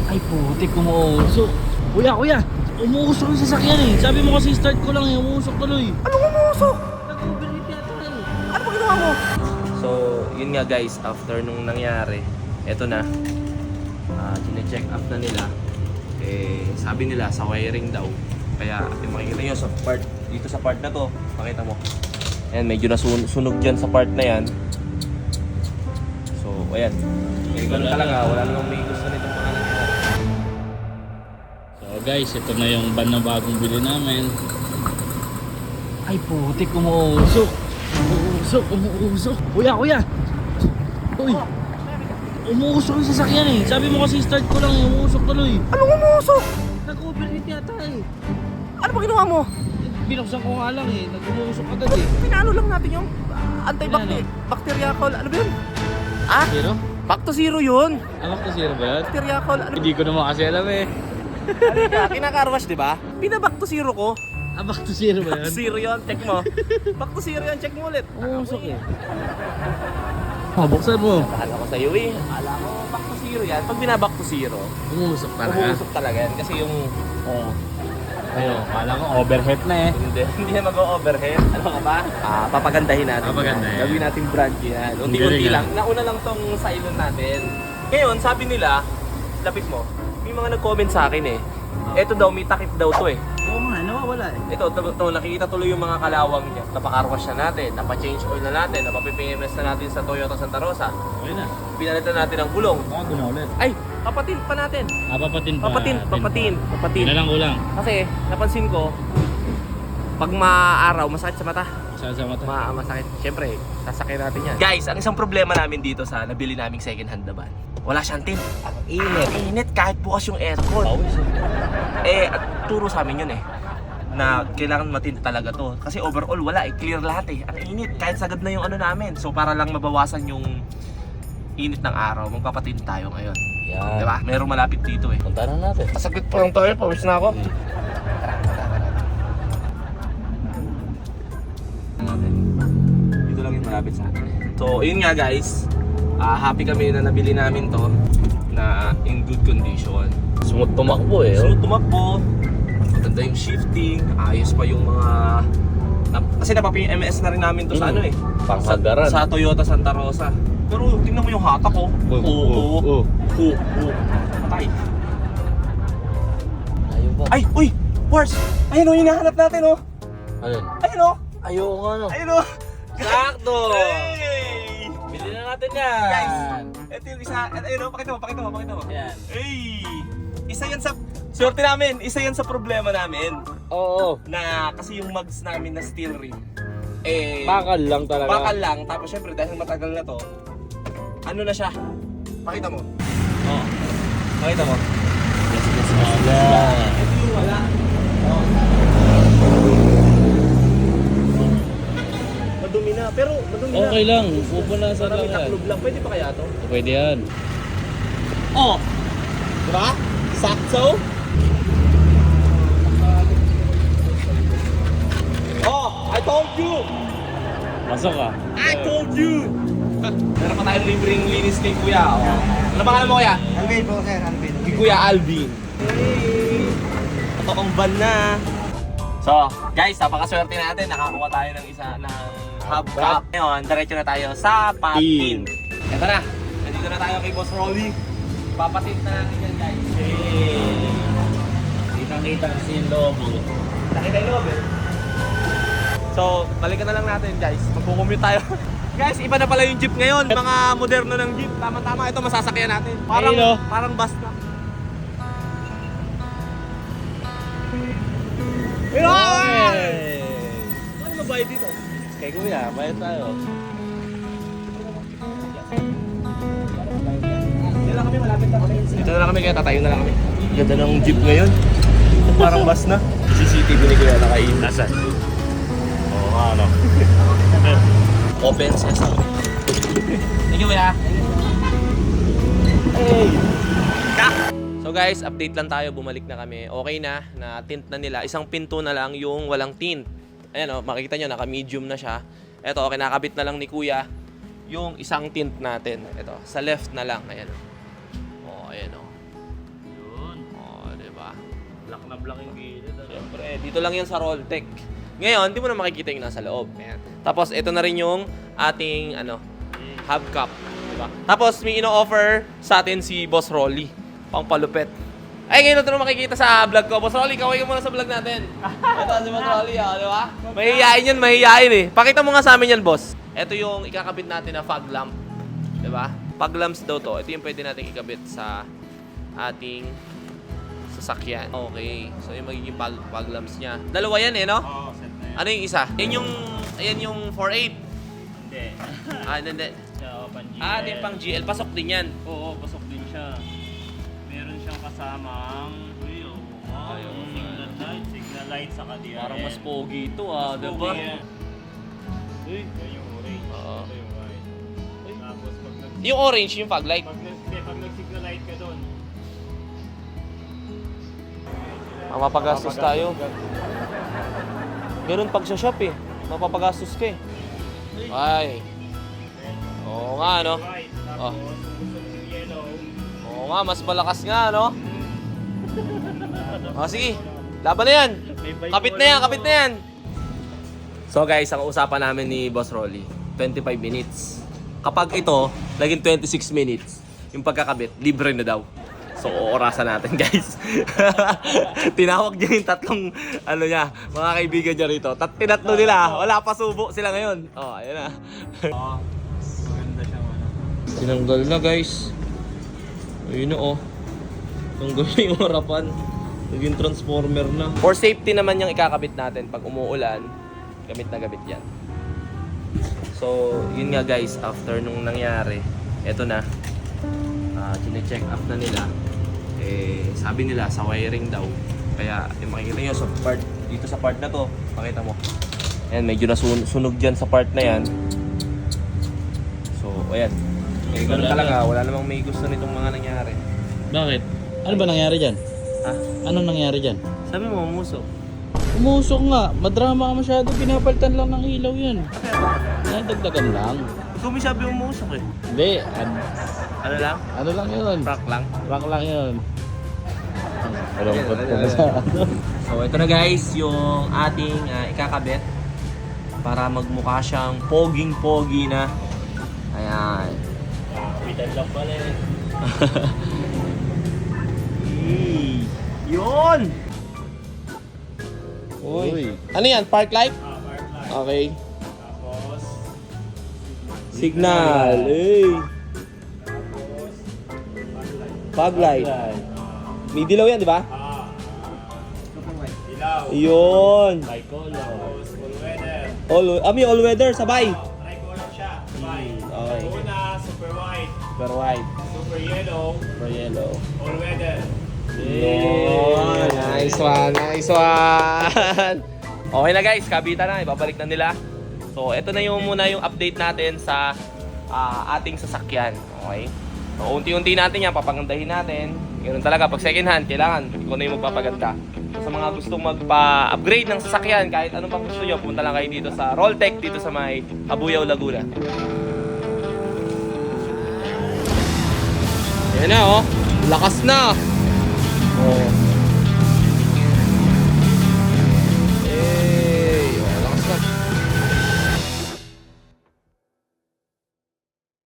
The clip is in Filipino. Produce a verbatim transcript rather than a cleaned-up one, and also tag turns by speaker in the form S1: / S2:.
S1: Ay putik, umuusok. Kuya, kuya, umuusok yung sasakyan eh. Sabi mo kasi start ko lang eh, umuusok tuloy.
S2: Anong umuusok?
S1: Nag-overheat yata eh.
S2: Ano ba ginawa mo?
S3: So, yun nga guys, after nung nangyari, eto na. Uh, Chine-check up na nila. Eh, sabi nila sa wiring daw. Kaya, yung makikita nyo sa part, dito sa part na to, pakita mo. Ayan, medyo nasunog dyan sa part na yan. So, ayan. Eh, ganun talaga, wala namang may gusto nitong mga nangyari.
S1: So guys, ito na yung van na bagong bili namin. Ay putik, umuusok. Umuusok, umuusok. Kuya, kuya. Uy. Umuusok yung sasakyan eh. Sabi mo kasi start ko lang eh, umuusok tuloy.
S2: Anong umuusok?
S1: Nag-overheat yata eh.
S2: Ano ba ginawa mo?
S1: Binuksan ko nga lang eh, nag-umuusok agad eh.
S2: Pinalo lang natin yung uh, anti-bacterial. Ano ba yun? Ah?
S1: Zero?
S2: Back to zero yun.
S1: Amak to zero ba yun?
S2: Bacterial. Ano?
S1: Hindi ko naman kasi alam eh.
S2: Halika, kinakarwash, di ba? Pina-back to zero ko.
S1: Ah, back to zero ba
S2: Back
S1: yun?
S2: to zero yun, check mo. Back to zero yun, check mo ulit.
S1: Umuusok eh. Oh, buksan mo.
S3: Akala ko sa'yo eh. Akala ko back to zero yan. Pag binaback to zero,
S1: Umuusok talaga.
S3: umuusok talaga yan. Kasi yung...
S1: Oo. Ayun, kala ko overhead na eh.
S3: Hindi, hindi na mag-overhead. Ano ka ba? Ah, papagandahin natin.
S1: Papagandahin.
S3: yan. Gawin natin brand yan.
S1: Ang
S3: Unti-unti
S1: galing,
S3: lang. Nauna lang tong silent natin. Ngayon, sabi nila, lapit mo, may mga nag-comment sa akin eh. Eto daw, may takip daw to eh.
S1: Oo nga, nawawala eh.
S3: Ito, to, to, nakikita tuloy yung mga kalawang niya. Napakarwash na natin, napa-change oil na natin, napa-P M S na natin sa Toyota Santa Rosa.
S1: Okay na.
S3: Pinalitan natin ang gulong.
S1: Baka doon na ulit.
S3: Ay, papatin pa natin.
S1: Ah, papatin pa.
S3: Papatin, papatin, papatin.
S1: Yun na lang kulang.
S3: Kasi, napansin ko, pag maaraw, masakit sa mata.
S1: Sa sa mata.
S3: Ma masakit. Siyempre, sasakyan natin yan. Guys, ang isang problema namin dito sa nabili naming second hand na van, wala siyang tint. Ang init. Ang init kahit bukas yung aircon.
S1: Pawis eh.
S3: Eh, at turo sa amin yun eh. Na kailangan matint talaga to. Kasi overall, wala eh. Clear lahat eh. Ang init. Kahit sagad na yung ano namin. So, para lang mabawasan yung init ng araw, magpapatint tayo ngayon.
S1: Yan.
S3: Diba? Merong malapit dito eh.
S1: Punta na natin.
S3: Kasaglit pa lang tayo. Pawis na ako. Dito lang yung malapit sa atin. So, yun nga guys. Uh, happy kami na nabili namin to na in good condition.
S1: Smooth tumakbo eh.
S3: Smooth tumakbo. Maganda yung shifting. Ayos pa yung mga... Na, kasi napapa-P M S na rin namin to sa
S1: Mm.
S3: ano eh.
S1: Panghagaran.
S3: Sa, sa Toyota Santa Rosa. Pero tingnan mo yung hatak ko. Oo. Oo. Oo. Oo. Patay.
S1: Ayaw ba?
S3: Ay! Uy! Wars! Ayun o, hinahanap natin o.
S1: Ayun.
S3: Ayun o.
S1: Ayaw nga no.
S3: Ayun o.
S1: Sakto!
S3: Hey!
S1: Bili na natin yan.
S3: Guys! Ito yung isa. Ayun o, pakita mo, pakita mo, pakita mo.
S1: Yan.
S3: Hey! Isa yan sa... Swerte namin, isa yan sa problema namin.
S1: Oo.
S3: Na kasi yung mugs namin na steel rim. Eh...
S1: Bakal lang talaga.
S3: Bakal lang. Tapos syempre dahil matagal na to, ano na siya? Pakita mo.
S1: Oo.
S3: Pakita mo.
S1: Yes, yes, yes. Yan.
S3: Ito yung wala. Oh. Madumi na. Pero madumi na.
S1: Okay lang. Pupunasan
S3: Marami
S1: lang yan.
S3: taklob lang. Pwede pa kaya to?
S1: Pwede yan.
S3: Oh! Diba? Sakto? Oh! I told you!
S1: Pasok ka.
S3: I told you! Meron pa tayong libreng linis kay Kuya. Oh. Ano pangalan mo Kuya?
S2: Alvin po, sir, Alvin.
S3: Kay Kuya Alvin. Hey! Totoong van na. So, guys, napakaswerte natin. Nakakuha tayo ng isa ng hubcap. Ngayon, diretso na tayo sa patin. Ito na. Nandito na tayo kay Boss Rolly. Papatint na natin yan, guys. Hey!
S1: Kita-kita kasi yung lobo.
S3: Nakita yung loob eh. So, balikan na lang natin guys. Magkukumute tayo. Guys, iba na pala yung jeep ngayon. Mga moderno ng jeep. Tama-tama ito masasakyan natin. Parang,
S1: Ayun, oh.
S3: parang bus na. Pero!
S1: Okay.
S3: Paano magbayad dito?
S1: Kay kuya, bayad tayo.
S3: Dito lang kami, malapit na kami. Dito na lang kami, kaya tatayo na lang kami. Ganda ng jeep ngayon. Parang bus na. C C T V ni Kuya nakain.
S1: Nasaan? Oo nga no.
S3: Open sesame. Thank you, Kuya. Hey! So guys, update lang tayo. Bumalik na kami. Okay na, na tint na nila. Isang pinto na lang yung walang tint. Ayan o, makikita nyo, naka-medium na siya. Ito, okay, nakabit na lang ni Kuya yung isang tint natin. Ito, sa left na lang. Ayan o. Oh, ayan o.
S1: Black na black yung gilid. Ano?
S3: Siyempre, dito lang yan sa Roltec. Ngayon, di mo na makikita yung nasa loob. Ayan. Tapos, ito na rin yung ating, ano, hubcap. Diba? Tapos, may ino-offer sa atin si Boss Rolly. Pang palupet. Ay, ngayon ito na makikita sa vlog ko. Boss Rolly, kaway ka muna sa vlog natin. Ito si Boss Rolly, ah, di ba? Mahihiyain yan, mahihiyain eh. Pakita mo nga sa amin yan, boss. Ito yung ikakabit natin na fog lamp. Di ba? Fog lamps daw to. Ito yung pwede natin ikabit sa ating sasakyan. Okay. So, yung magiging fog, fog lamps niya. Dalawa yan eh, no?
S1: Oo, set na yan.
S3: Ano yung isa? Yan yung, ayan yung four eight.
S1: Hindi.
S3: Ah, hindi, hindi.
S1: Oo, pang G L.
S3: Ah, ito yung pang G L. Pasok din yan.
S1: Oo, pasok din siya. Meron siyang kasamang uy, oo. Oh,
S3: Ay, oo.
S1: signal light, signal light sa D R L.
S3: Parang mas pogi ito ah,
S1: Mas
S3: di
S1: pogi
S3: ba?
S1: yan. Uy, yun yung orange.
S3: Oo.
S1: Ito yung white. Tapos pag nag
S3: Yung orange, yung fog light.
S1: pag nag hindi, pag nag-signal light ka doon.
S3: Mapapagastos tayo. Ganun pag sa shop eh. Mapapagastos ka eh. Ay. Oo nga, no?
S1: White.
S3: Oh.
S1: Tapos gusto mo yung yellow.
S3: Oo nga, mas malakas nga, no? O, sige. Laban na yan.
S1: May bike
S3: Kapit na yan, kapit na yan. So guys, ang usapan namin ni Boss Rolly, twenty-five minutes. Kapag ito, naging twenty-six minutes, yung pagkakabit, libre na daw. So, oorasan natin, guys. Tinawag niya yung tatlong, ano niya, mga kaibigan niya rito. Tat tinatlo nila, wala pa subo sila ngayon. Oh, ayun na.
S1: Oo. Maganda siyang ano.
S3: Tinanggal na, guys. Ayun na, oh. Tanggal na yung harapan. Naging transformer na. For safety naman yung ikakabit natin. Pag umuulan, gamit na gamit yan. So, yun nga guys, after nung nangyari, eto na. Uh, chine-check up na nila. Eh, sabi nila sa wiring daw. Kaya, yung makikita nyo sa part, dito sa part na to, pakita mo. Ayan, medyo nasunog dyan sa part na yan. So, ayan. Eh, ganun talaga, wala namang may gusto nitong mga nangyari.
S1: Bakit? Ano ba nangyari dyan?
S3: Ha?
S1: Anong nangyari dyan?
S3: Sabi mo, umusok.
S1: Umusok nga. Madrama ka masyado. Pinapalitan lang ng ilaw yun. Nadagdagan lang.
S3: Ikaw may sabi umusok eh.
S1: Hindi. An-
S3: Ano lang?
S1: ano lang yun?
S3: Prank lang.
S1: Prank lang yun. Malungkot ko na sa ano.
S3: So, ito na guys, yung ating uh, ikakabit para magmukha siyang poging-pogi na. Ayan.
S1: Kapitan lang pala eh.
S3: Hey, yun!
S1: Uy.
S3: Ano yan? Park light?
S1: Ah, firefly.
S3: Okay.
S1: Tapos,
S3: Signal. Hey.
S1: tapos,
S3: Fog light. May dilaw yan, di ba?
S1: ah, ilaw.
S3: Yun.
S1: Bicolor. Tapos, full weather.
S3: All, ah, may all weather, sabay.
S1: Tricolor siya. Bye.
S3: Okay.
S1: Una, super white.
S3: Super white.
S1: Super yellow.
S3: Super yellow.
S1: All weather.
S3: Yun. Nice one, nice one. Okay na guys, kabita na, ibabalik na nila. So, ito na yung muna yung update natin sa ah, ating sasakyan. Okay? So, unti-unti natin yan, papagandahin natin. Ganun talaga, pag second hand, kailangan ikaw na yung magpapaganda. So, sa mga gustong magpa-upgrade ng sasakyan, kahit anong pang gusto nyo, punta lang kayo dito sa Roltec, dito sa may Abuyaw, Laguna. Yan na oh, lakas na. Oh.